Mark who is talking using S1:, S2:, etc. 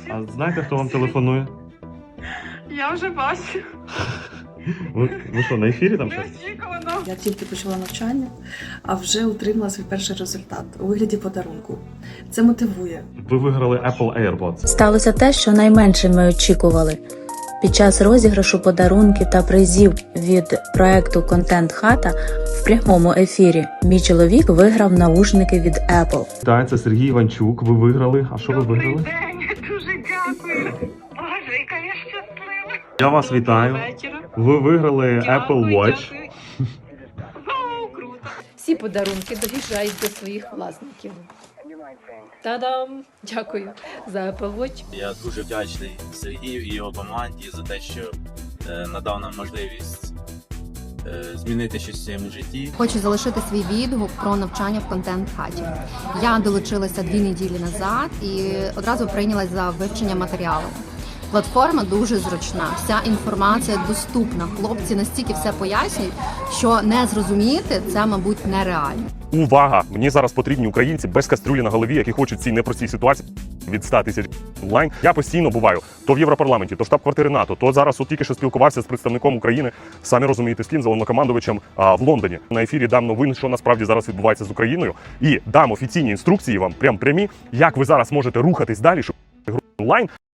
S1: А знаєте, хто вам телефонує?
S2: Я вже бачу.
S1: Ви що, на ефірі там щось?
S2: Неочікувано.
S3: Я тільки почала навчання, а вже отримала свій перший результат у вигляді подарунку. Це мотивує.
S1: Ви виграли Apple AirPods.
S4: Сталося те, що найменше ми очікували. Під час розіграшу подарунків та призів від проекту «Контент Хата» в прямому ефірі мій чоловік виграв наушники від Apple.
S1: Так, це Сергій Іванчук. Ви виграли. А що ви
S2: Добрий
S1: виграли?
S2: день, дуже дякую. Боже, яка я щаслива.
S1: Я вас вітаю.
S2: Вечора.
S1: Ви виграли Apple Watch.
S2: Дякую. Вау, круто.
S5: Всі подарунки доїжджають до своїх власників. Та-дам! Дякую за Apple Watch.
S6: Я дуже вдячний Сергію і його команді за те, що надав нам можливість змінити щось в своєму житті.
S7: Хочу залишити свій відгук про навчання в контент-хаті. Я долучилася 2 неділі назад і одразу прийнялась за вивчення матеріалу. Платформа дуже зручна, вся інформація доступна. Хлопці настільки все пояснюють, що не зрозуміти це, мабуть, нереально.
S8: Увага! Мені зараз потрібні українці без кастрюлі на голові, які хочуть в цій непростій ситуації від 100 тисяч онлайн. Я постійно буваю то в Європарламенті, то в штаб-квартири НАТО, то зараз от тільки що спілкувався з представником України, самі розумієте, з ким, з головнокомандувачем в Лондоні. На ефірі дам новин, що насправді зараз відбувається з Україною, і дам офіційні інструкції вам, прямі, як ви зараз можете рухатись далі, щоб онлайн